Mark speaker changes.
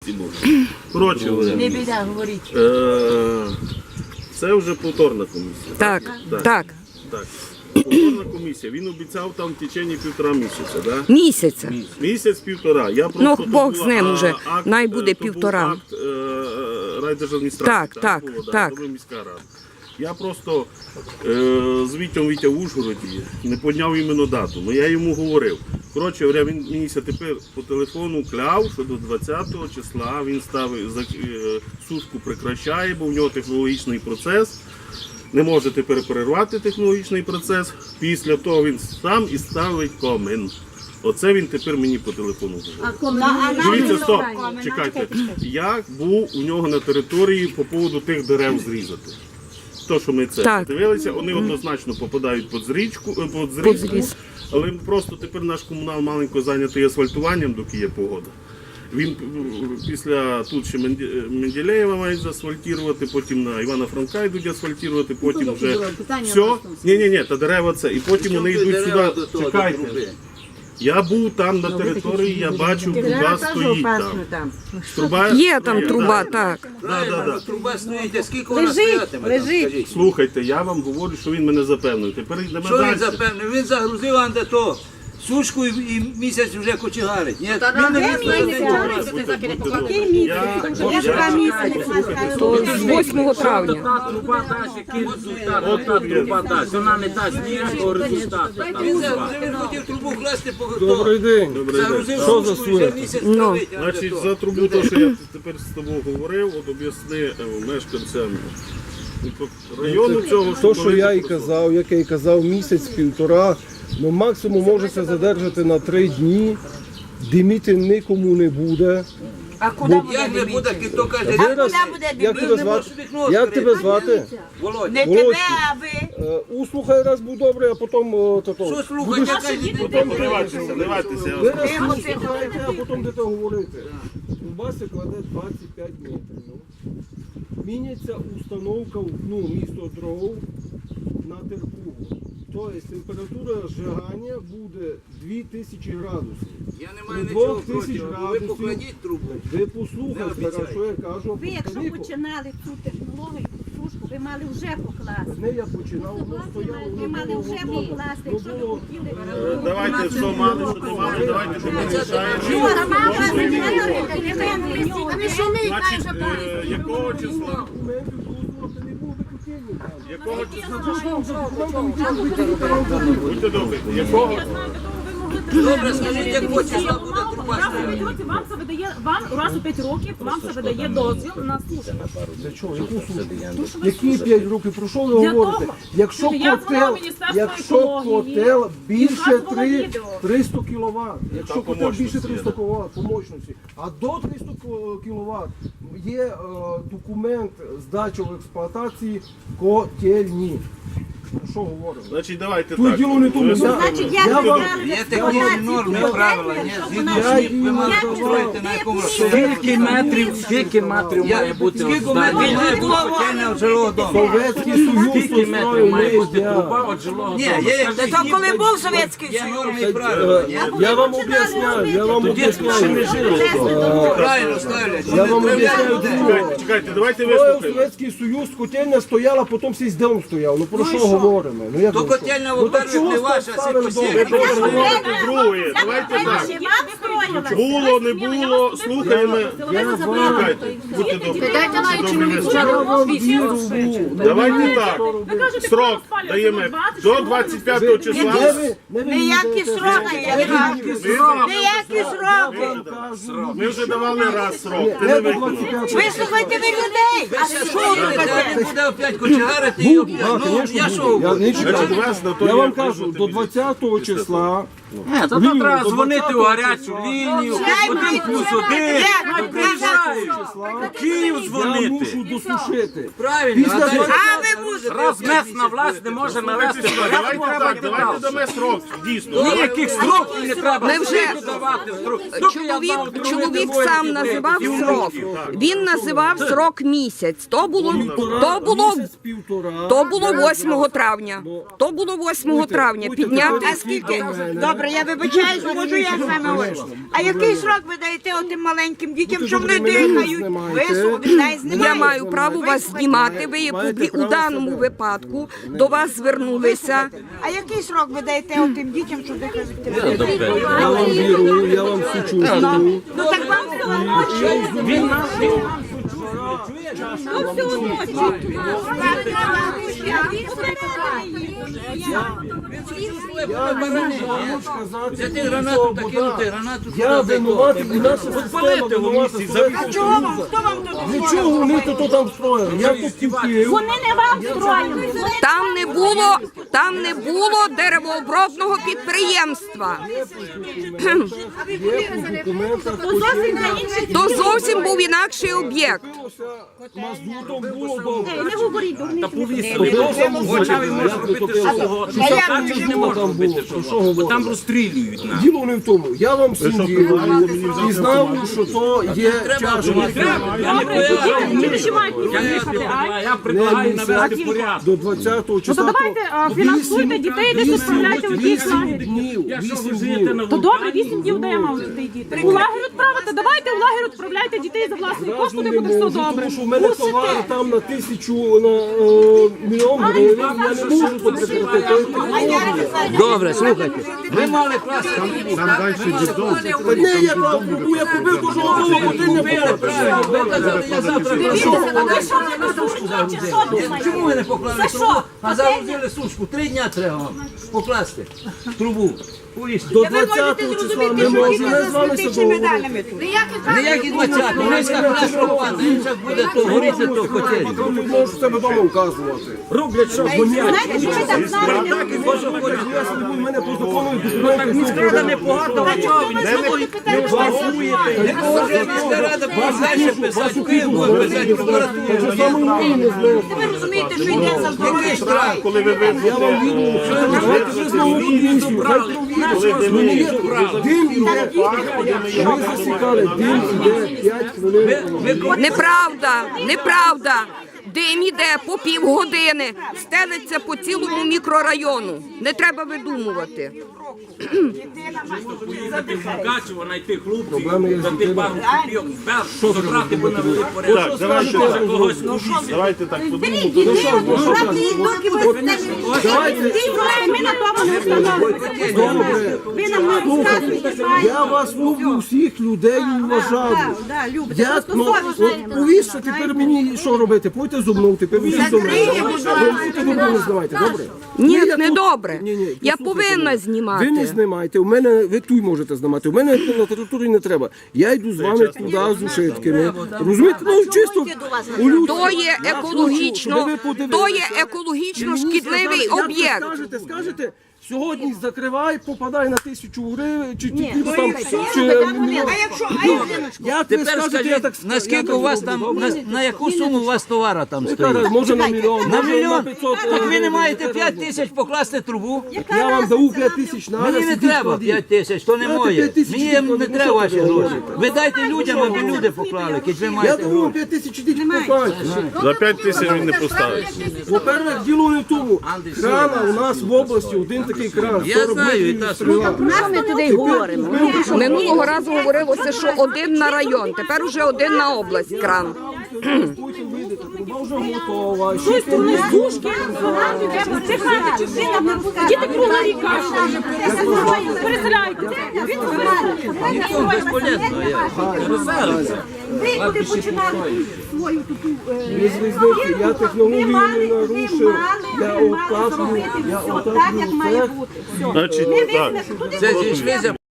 Speaker 1: Коротше,
Speaker 2: Не біда, говоріть.
Speaker 1: це вже повторна комісія.
Speaker 3: Так, так.
Speaker 1: Так. Повторна комісія. Він обіцяв там в течение 1,5 місяця, да?
Speaker 3: Місяця.
Speaker 1: Місяць-півтора. Я
Speaker 3: Ну,
Speaker 1: просто
Speaker 3: Бог з ним уже. Най буде
Speaker 1: то був
Speaker 3: 1,5.
Speaker 1: акт райдержадміністрації.
Speaker 3: Так.
Speaker 1: Нова міська рада. Я просто з Вітя в Ужгороді не підняв іменно дату, але я йому говорив. Коротше, він мені тепер по телефону кляв, що до 20-го числа він ставить, сушку прекращає, бо в нього технологічний процес. Не може тепер перервати технологічний процес. Після того він сам і ставить комин. Оце він тепер мені по телефону говорить. Дивіться, стоп, чекайте. Я був у нього на території по поводу тих дерев зрізати. То, що ми це дивилися, вони однозначно попадають під зрізку, але просто тепер наш комунал маленько зайнятий асфальтуванням, доки є погода. Він після тут ще Менделєєва мають заасфальтувати, потім на Івана Франка йдуть асфальтувати, потім вже все. Ні, та дерева це. І потім вони йдуть сюди. Чекайте. Я був там на території, я бачив, труба стоїть там. Труба
Speaker 3: Є там труба, так.
Speaker 4: Труба стоїть, а скільки вона стоятиме?
Speaker 2: Лежить.
Speaker 1: Слухайте, я вам говорю, що він мене запевнив. Тепер йдемо
Speaker 4: Що
Speaker 1: далі.
Speaker 4: він запевнив? Він загрузив андето. Сушку і місяць вже кочегарить. Ні, він не
Speaker 3: З 8 травня.
Speaker 5: Труба дасть, який результат, ота труба дасть. Вона не дасть ніякого результату.
Speaker 4: Він загрузив, він хотів трубу класти по
Speaker 6: Добрий день.
Speaker 4: загрузив
Speaker 6: Що за
Speaker 4: сушку і вже
Speaker 6: суєта?
Speaker 4: місяць стоїть.
Speaker 1: Значить, за трубу, то, що я тепер з тобою говорив, от об'ясни мешканцям району цього,
Speaker 6: То, що я і казав, як я і казав, місяць-півтора, ну максимум можеться задержати на 3 дні, диміти нікому не буде.
Speaker 2: А куди буде
Speaker 4: Як не буде,
Speaker 2: дивитися?
Speaker 4: хто каже,
Speaker 6: Вираз, як тебе звати? Як тебе звати?
Speaker 4: Володя.
Speaker 2: Не тебе, а ви.
Speaker 6: Услухай раз був добре, а потім
Speaker 4: Що слухай, яка
Speaker 1: Вливайтеся.
Speaker 6: слухайте, а потім будете говорити. У басі кладе 25 метрів. Міняється установка місто дров на терпугу. Тобто температура зжигання буде 2000 градусів.
Speaker 4: Я не маю
Speaker 6: При
Speaker 4: нічого
Speaker 6: 2000
Speaker 4: проти, ви
Speaker 6: градусів
Speaker 4: покладіть трубу.
Speaker 6: Ви послухайте, що я кажу.
Speaker 7: Ви, якщо починали цю технологію, сушку, ви мали вже покласти.
Speaker 6: Не я починав, воно стояло,
Speaker 7: Ви мали вже покласти, якщо ви хотіли.
Speaker 1: Давайте, що мали, що не мали, давайте що ми рішаємо. Значить, якого числа? Якого числа? Будьте добрі. Якого?
Speaker 4: Добре, скажіть, якого числа буде труба
Speaker 8: Раз у
Speaker 4: стояти?
Speaker 8: 5 років вам це видає, раз у 5 років вам це видає дозвіл на службу.
Speaker 6: Для чого? Яку службу? Які 5 років? Про що ви
Speaker 8: Для
Speaker 6: говорите?
Speaker 8: того,
Speaker 6: Якщо
Speaker 8: що я дзвонила
Speaker 6: котел,
Speaker 8: в Міністерство
Speaker 6: якщо
Speaker 8: екології,
Speaker 6: котел більше
Speaker 8: показувала відео.
Speaker 6: 300 кВт, якщо
Speaker 1: Там
Speaker 6: котел більше
Speaker 1: по
Speaker 6: 300 кВт по мощності, а до 300 кВт є документ здачі в експлуатації котельні. Про що говоримо?
Speaker 1: Значить, давайте
Speaker 6: Тут
Speaker 1: так.
Speaker 6: діло не тому.
Speaker 7: Значить, як
Speaker 6: Я
Speaker 7: ви
Speaker 6: вам-
Speaker 7: брали
Speaker 4: Є
Speaker 7: в
Speaker 4: такі
Speaker 7: експлуатацію
Speaker 4: норми,
Speaker 7: котельню,
Speaker 4: правила, ні?
Speaker 7: щоб
Speaker 4: Згідно
Speaker 7: вона-
Speaker 4: з ним ви мали строїти на якому
Speaker 5: Скільки метрів має бути
Speaker 4: Скільки
Speaker 5: от здання?
Speaker 4: метрів має бути котельня жилого дому?
Speaker 6: Совєтський Союз
Speaker 5: Скільки метрів має бути
Speaker 6: устроїв
Speaker 5: труба від жилого
Speaker 4: Ні,
Speaker 5: дому?
Speaker 4: є
Speaker 2: Та то коли був Совєтський
Speaker 4: Є
Speaker 2: Союз.
Speaker 4: норми і правила.
Speaker 6: Я вам об'ясняю,
Speaker 4: Правильно ставлять.
Speaker 6: Я вам об'ясняю.
Speaker 1: Чекайте, давайте
Speaker 6: Коли
Speaker 1: вислухаємо.
Speaker 6: Совєтський Союз, котельня стояла, потім всі з дом стояв. Ну про що говоримо? Ну як
Speaker 4: То
Speaker 6: ви що?
Speaker 4: котельня,
Speaker 6: Ну, так
Speaker 4: во-первых,
Speaker 6: чого
Speaker 4: не ваша,
Speaker 6: ставили
Speaker 4: сікосі.
Speaker 6: дом?
Speaker 1: Ви просто говорите друге. Давайте так. Було, не було, слухаємо. Чекайте, будьте добрі.
Speaker 6: Я вам вірю в Бога.
Speaker 1: Давайте так. Срок даємо до 25 числа.
Speaker 2: Ніякі сроки, ніякі сроки.
Speaker 1: Ми вже давали раз срок. Ти не виконав.
Speaker 2: Вислухайте ви людей. А що ви таке?
Speaker 4: Буде опять кочегарити і опять. Ну, я що?
Speaker 1: Значить, вас на то
Speaker 6: Я
Speaker 1: є
Speaker 6: вам кажу,
Speaker 1: вижити
Speaker 6: до
Speaker 1: від-
Speaker 6: 20 числа.
Speaker 5: То треба дзвонити у гарячу лінію, 1+1, приїжджають. У Київ
Speaker 6: Я
Speaker 5: дзвонити.
Speaker 6: мушу досушити.
Speaker 4: Правильно.
Speaker 6: Після
Speaker 4: а далі-
Speaker 6: 20
Speaker 2: А ви мусите.
Speaker 5: Раз місна власть не може навести порядок,
Speaker 1: Давайте
Speaker 5: треба
Speaker 1: так,
Speaker 5: йти
Speaker 1: давайте
Speaker 5: далі.
Speaker 1: дамо срок, дійсно.
Speaker 5: Ніяких строків не треба.
Speaker 3: Ми вже-
Speaker 5: давати строк. Доки я дав другий
Speaker 3: Чоловік
Speaker 5: двоє
Speaker 3: сам
Speaker 5: дітей
Speaker 3: називав
Speaker 5: і
Speaker 3: срок.
Speaker 5: внуків.
Speaker 3: Він називав срок місяць. То було
Speaker 6: місяць-півтора.
Speaker 3: 8 травня. То було 8 травня. Підняти
Speaker 6: А скільки?
Speaker 2: Добре, я вибачаюсь, можу я з вами говорю. А який срок ви даєте отим маленьким дітям, що вони дихають? Ви не знімаєте.
Speaker 3: Я маю право вас знімати. Ви є у даному випадку до вас звернулися.
Speaker 2: А який срок ви даєте отим дітям, що дихають?
Speaker 6: Я вам вірую, я вам сучу.
Speaker 2: Ну так вам все одно. Ну все одно.
Speaker 6: Я не можу сказати,
Speaker 4: Взяти гранату та кинути гранату.
Speaker 6: я винуватий, і наша система винувата.
Speaker 2: А чого вам? Хто вам тут?
Speaker 6: Нічого вони тут там строїли. Я тут купив.
Speaker 8: Вони не вам строїли.
Speaker 3: Там не було деревообробного підприємства. То зовсім був інакший об'єкт.
Speaker 6: Мазутом було добре.
Speaker 8: Не говоріть, дурні.
Speaker 5: Там розстрілюють нас.
Speaker 6: Діло не в тому. Я вам всім ділю. І знав, що то є тяжко.
Speaker 8: Діти ще мають їхати, а?
Speaker 5: Я предлагаю навести порядок.
Speaker 6: До 20-го числа.
Speaker 8: Ну, то давайте, фінансуйте дітей, десь відправляйте у якийсь лагерь.
Speaker 6: днів.
Speaker 5: Якщо
Speaker 6: 8
Speaker 5: ви живете на
Speaker 8: То добре, 8 днів даємо дітей діти. У лагерь відправити, давайте в лагерь відправляйте дітей за власні кошти, де буде все добре.
Speaker 6: Тому що в мене товар там на 1000, на мільйон гривень. Я не можу тут прекратити.
Speaker 4: Добре, слухайте. Ви мали клас.
Speaker 6: Та ні, я там трубу, я побив кожного голову, бо ти не було.
Speaker 4: Чому ви не поклали трубу, а загрузили сушку? 3 дня треба вам покласти трубу. Повісти.
Speaker 6: До 20-го числа не можу, не з вами садового.
Speaker 4: Ніякі 20, низька крашка впаде, і зараз буде то горіти, то котелі.
Speaker 6: Ви можете себе вдома вказувати.
Speaker 5: Роблять, що гонять.
Speaker 6: Я собі буду, в мене по закону документи. Міськрада не
Speaker 5: Багато
Speaker 4: Не може міська рада далі писати, Київ буде писати прокуратуру.
Speaker 2: Ви розумієте, що йде за здоров'я?
Speaker 4: Штраф.
Speaker 1: Коли ви
Speaker 6: Я вам вірю, давайте ви знову комісію, хай провірять. Дим іде, ми засікали, дим іде 5 хвилин.
Speaker 3: Неправда. Дим іде по півгодини, стелиться по цілому мікрорайону. Не треба видумувати.
Speaker 5: Мукачево знайти хлопців,
Speaker 6: Проблеми є з
Speaker 5: за тих
Speaker 6: дітьми.
Speaker 5: пару копійок, забрати, бо навели порядок.
Speaker 1: Так, давайте,
Speaker 5: Когось
Speaker 1: давайте так подумаємо.
Speaker 8: Ми на тому не встановлюємо. Ви нам не розказуєте.
Speaker 6: Я вас люблю, всіх людей вважаю. Я, ну, от повіщо тепер мені що робити? Пойте зо мною, тепер всі зо мною. Ви не знімайте, добре?
Speaker 3: Ні,
Speaker 6: я
Speaker 3: не
Speaker 6: тут-
Speaker 3: добре.
Speaker 6: Ні,
Speaker 3: Я
Speaker 6: послухайте
Speaker 3: повинна
Speaker 6: мене.
Speaker 3: знімати.
Speaker 6: Ви не знімаєте, у мене, ви тут можете знімати, у мене на території не треба. Я йду з вами туди з ушитками. Розумієте, ну чисто у людську.
Speaker 3: То є екологічно шкідливий об'єкт.
Speaker 6: Скажете, сьогодні закривай, попадай на 1000 гривень, чи там, чи мільйон. Як ви
Speaker 4: Тепер
Speaker 6: скажете, я так
Speaker 4: скажіть, наскільки у вас там, на яку суму у вас товара там стоїть?
Speaker 6: скажу, може на мільйон,
Speaker 4: На
Speaker 6: може
Speaker 4: мільйон?
Speaker 6: 500.
Speaker 4: Так ви не маєте 5 тисяч покласти трубу?
Speaker 6: Я вам даю 5 тисяч на
Speaker 4: Мені не треба 5 тисяч, то не
Speaker 6: Дайте
Speaker 4: моє.
Speaker 6: 5 тисяч,
Speaker 4: Мені не
Speaker 6: ну,
Speaker 4: треба
Speaker 6: що
Speaker 4: ваші
Speaker 6: таке?
Speaker 4: гроші. Ви дайте людям, аби люди поклали, кіть ви
Speaker 6: Я
Speaker 4: маєте
Speaker 6: даю
Speaker 4: гроші.
Speaker 6: 5 тисяч, ідіть покажете.
Speaker 1: За 5 тисяч він не поставить.
Speaker 6: По-перше, діло не в тому. Крана у нас в області один такий кран.
Speaker 4: Я знаю, і та справа.
Speaker 2: Ми туди говоримо.
Speaker 3: Минулого разу говорилося, що один на район, тепер уже один на область кран.
Speaker 6: Потім вийдете, труба вже готова.
Speaker 8: Щось тут не сушки, чихати чи всі. Діти кругла ріка. Переселяйте.
Speaker 4: Ніхто безполезно.
Speaker 7: Ви куди починали свою таку...
Speaker 6: Різниці, я технологію не нарушив. Я отаплю,
Speaker 7: так, як має
Speaker 6: цех.
Speaker 7: бути. Все.
Speaker 1: Значить,
Speaker 7: Ми
Speaker 1: так.
Speaker 7: визнали, туди
Speaker 4: Це зійшлися